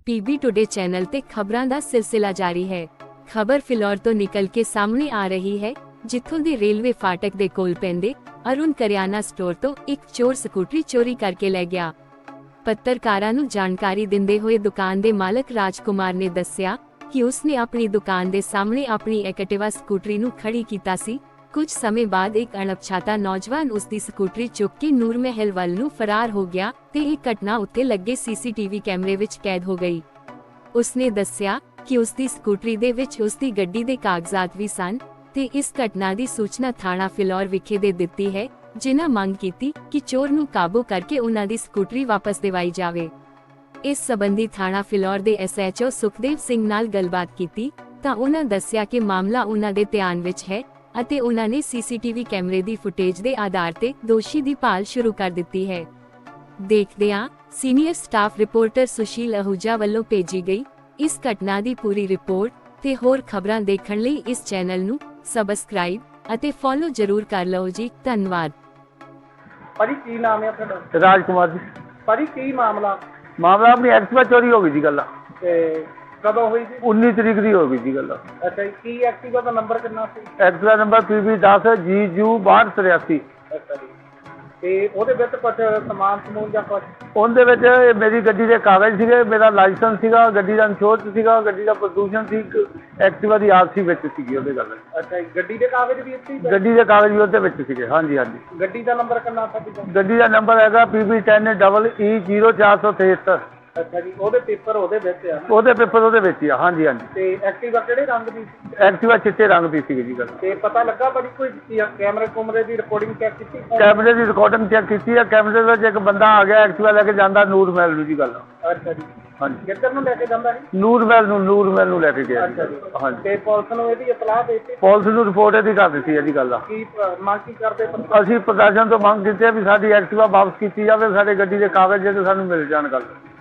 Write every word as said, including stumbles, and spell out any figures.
PB today channel ਤੇ ਖਬਰਾਂ ਦਾ ਸਿਲਸਿਲਾ ਜਾਰੀ ਹੈ। ਖਬਰ ਫਿਲੌਰ ਤੋਂ ਨਿਕਲ ਕੇ ਸਾਹਮਣੇ ਆ ਰਹੀ ਹੈ, ਜਿੱਥੋਂ ਦੀ ਰੇਲਵੇ ਫਾਟਕ ਦੇ ਕੋਲ ਪੈਂਦੇ ਅਰੁਣ ਕਰਿਆਨਾ ਸਟੋਰ ਤੋਂ ਇੱਕ ਚੋਰ ਸਕੂਟਰੀ ਚੋਰੀ ਕਰਕੇ ਲੈ ਗਿਆ। ਪੱਤਰਕਾਰਾਂ ਨੂੰ ਜਾਣਕਾਰੀ ਦਿੰਦੇ ਹੋਏ ਦੁਕਾਨ ਦੇ ਮਾਲਕ ਰਾਜਕੁਮਾਰ ਨੇ ਦੱਸਿਆ ਕਿ ਉਸਨੇ ਆਪਣੀ ਦੁਕਾਨ ਦੇ ਸਾਹਮਣੇ ਆਪਣੀ ਐਕਟਿਵਾ ਸਕੂਟਰੀ ਨੂੰ ਖੜੀ ਕੀਤਾ ਸੀ। ਕੁਝ ਸਮੇਂ ਬਾਅਦ ਇੱਕ ਅਣਪਛਾਤਾ ਨੌਜਵਾਨ ਉਸ ਦੀ ਸਕੂਟਰੀ ਚੁੱਕ ਕੇ ਨੂਰ ਮਹਿਲ ਵੱਲ ਨੂੰ ਫਰਾਰ ਹੋ ਗਿਆ ਤੇ ਇਹ ਘਟਨਾ ਉੱਤੇ ਲੱਗੇ ਸੀਸੀਟੀਵੀ ਕੈਮਰੇ ਵਿੱਚ ਕੈਦ ਹੋ ਗਈ। ਉਸਨੇ ਦੱਸਿਆ ਕਿ ਉਸ ਦੀ ਸਕੂਟਰੀ ਦੇ ਵਿੱਚ ਉਸ ਦੀ ਗੱਡੀ ਦੇ ਕਾਗਜ਼ਾਤ ਵੀ ਸਨ ਤੇ ਇਸ ਘਟਨਾ ਦੀ ਸੂਚਨਾ ਥਾਣਾ ਫਿਲੌਰ ਵਿਖੇ ਦੇ ਦਿੱਤੀ ਹੈ, ਜਿਨ੍ਹਾਂ ਮੰਗ ਕੀਤੀ ਕਿ ਚੋਰ ਨੂੰ ਕਾਬੂ ਕਰਕੇ ਉਹਨਾਂ ਦੀ ਸਕੂਟਰੀ ਵਾਪਸ ਦਿਵਾਈ ਜਾਵੇ। ਇਸ ਸੰਬੰਧੀ ਥਾਣਾ ਫਿਲੌਰ ਦੇ ਐਸਐਚਓ ਸੁਖਦੇਵ ਸਿੰਘ ਨਾਲ ਗੱਲਬਾਤ ਕੀਤੀ ਤਾਂ ਉਹਨਾਂ ਦੱਸਿਆ ਕਿ ਮਾਮਲਾ ਉਹਨਾਂ ਦੇ ਧਿਆਨ ਵਿੱਚ ਹੈ ਅਤੇ ਉਹਨਾਂ ਨੇ ਸੀਸੀਟੀਵੀ ਕੈਮਰੇ ਦੀ ਫੁਟੇਜ ਦੇ ਆਧਾਰ ਤੇ ਦੋਸ਼ੀ ਦੀ ਭਾਲ ਸ਼ੁਰੂ ਕਰ ਦਿੱਤੀ ਹੈ। ਦੇਖਦਿਆਂ senior staff reporter Sushil Ahuja ਵੱਲੋਂ ਭੇਜੀ ਗਈ ਇਸ ਘਟਨਾ ਦੀ ਪੂਰੀ ਰਿਪੋਰਟ ਤੇ ਹੋਰ ਖਬਰਾਂ ਦੇਖਣ ਲਈ ਇਸ ਚੈਨਲ ਨੂੰ ਸਬਸਕ੍ਰਾਈਬ ਅਤੇ ਫੋਲੋ ਜ਼ਰੂਰ ਕਰ ਲਓ ਜੀ। ਧੰਨਵਾਦ। ਭਾਜੀ ਕੀ ਨਾਮ ਹੈ ਤੁਹਾਡਾ? ਰਾਜਕੁਮਾਰ ਜੀ। ਭਾਜੀ ਕੀ ਮਾਮਲਾ? ਮਾਮਲਾ ਆਪਣੀ ਐਕਟਿਵਾ ਚੋਰੀ ਹੋ ਗਈ ਜੀ। ਗੱਲ ਤੇ ਕਦੋਂ ਹੋਈ ਸੀ? ਉੱਨੀ ਤਰੀਕ ਦੀ ਹੋ ਗਈ ਜੀ। ਗੱਲ ਅੱਛਾ ਜੀ, ਕੀ ਐਕਟਿਵਾ ਦਾ ਨੰਬਰ ਕਿੰਨਾ ਸੀ? ਐਕਟਿਵਾ ਨੰਬਰ ਪੀ ਵੀ ਦਸ ਜੀ ਯੂ ਬਾਹਠ ਤਰਿਆਸੀ। ਅੱਛਾ ਜੀ, ਤੇ ਉਹਦੇ ਵਿੱਚ ਕੁਝ ਸਮਾਨ ਸਮੂਨ ਜਾਂ ਕੁਝ? ਉਹਦੇ ਵਿੱਚ ਮੇਰੀ ਗੱਡੀ ਦੇ ਕਾਗਜ਼ ਸੀਗੇ, ਮੇਰਾ ਲਾਇਸੈਂਸ ਸੀਗਾ, ਗੱਡੀ ਦਾ ਇੰਸ਼ੋਰੈਂਸ ਸੀਗਾ, ਗੱਡੀ ਦਾ ਪ੍ਰਦੂਸ਼ਣ ਸੀ, ਐਕਟਿਵਾ ਦੀ ਆਰ ਸੀ ਵਿੱਚ ਸੀਗੀ ਉਹਦੇ। ਗੱਲ ਅੱਛਾ ਜੀ, ਗੱਡੀ ਦੇ ਕਾਗਜ਼ ਵੀ ਇੱਥੇ ਹੀ? ਗੱਡੀ ਦੇ ਕਾਗਜ਼ ਵੀ ਉਹਦੇ ਵਿੱਚ ਸੀਗੇ। ਹਾਂਜੀ ਹਾਂਜੀ। ਗੱਡੀ ਦਾ ਨੰਬਰ ਕਿੰਨਾ ਸੀ? ਗੱਡੀ ਦਾ ਨੰਬਰ ਹੈਗਾ P V ten double E zero ਚਾਰ ਸੌ ਤੇਹੱਤਰ। ਅੱਛਾ ਜੀ, ਉਹਦੇ ਪੇਪਰ ਉਹਦੇ ਵਿੱਚ ਆ? ਉਹਦੇ ਪੇਪਰ ਉਹਦੇ ਵਿੱਚ ਹੀ ਆ। ਹਾਂਜੀ ਹਾਂਜੀ। ਤੇ ਐਕਟਿਵਾ ਕਿਹੜੇ ਰੰਗ ਦੀ ਸੀ? ਐਕਟਿਵਾ ਚਿੱਟੇ ਰੰਗ ਦੀ ਸੀਗੀ ਜੀ। ਗੱਲ ਤੇ ਪਤਾ ਲੱਗਾ ਭਾਜੀ ਕੋਈ ਕੈਮਰੇ ਕੁਮਰੇ ਦੀ ਰਿਕਾਰਡਿੰਗ ਚੈੱਕ ਕੀਤੀ? ਕੈਮਰੇ ਦੀ ਰਿਕਾਰਡਿੰਗ ਚੈੱਕ ਕੀਤੀ ਹੈ। ਕੈਮਰੇ ਵਿੱਚ ਇੱਕ ਬੰਦਾ ਆ ਗਿਆ ਐਕਟਿਵਾ ਲੈ ਕੇ ਜਾਂਦਾ ਨੂਰ ਮਹਿਲ ਨੂੰ ਜੀ। ਗੱਲ ਅੱਛਾ ਜੀ, ਹਾਂਜੀ। ਕਿੱਧਰ ਨੂੰ ਲੈ ਕੇ ਜਾਂਦਾ ਸੀ? ਨੂਰ ਮਹਿਲ ਨੂੰ ਨੂਰ ਮਹਿਲ ਨੂੰ ਲੈ ਕੇ ਗਿਆ। ਅੱਛਾ ਜੀ। ਹਾਂਜੀ। ਤੇ ਪੁਲਿਸ ਨੂੰ ਇਹਦੀ ਇਤਲਾਹ ਦੇ ਦਿੱਤੀ? ਪੁਲਿਸ ਨੂੰ ਰਿਪੋਰਟ ਇਹਦੀ ਕਰ ਦਿੱਤੀ ਹੈ ਜੀ। ਗੱਲ ਕੀ ਮੰਗ ਕੀ ਕਰਦੇ? ਅਸੀਂ ਪ੍ਰਸ਼ਾਸਨ ਤੋਂ ਮੰਗ ਕੀਤੀ ਹੈ ਵੀ ਸਾਡੀ ਐਕਟਿਵਾ ਵਾਪਸ ਕੀਤੀ ਜਾਵੇ, ਸਾਡੇ ਗੱਡੀ ਦੇ ਕਾਗਜ਼ ਜਿਹੜੇ ਸਾਨੂੰ ਮਿਲ ਜਾਣ। ਗੱਲ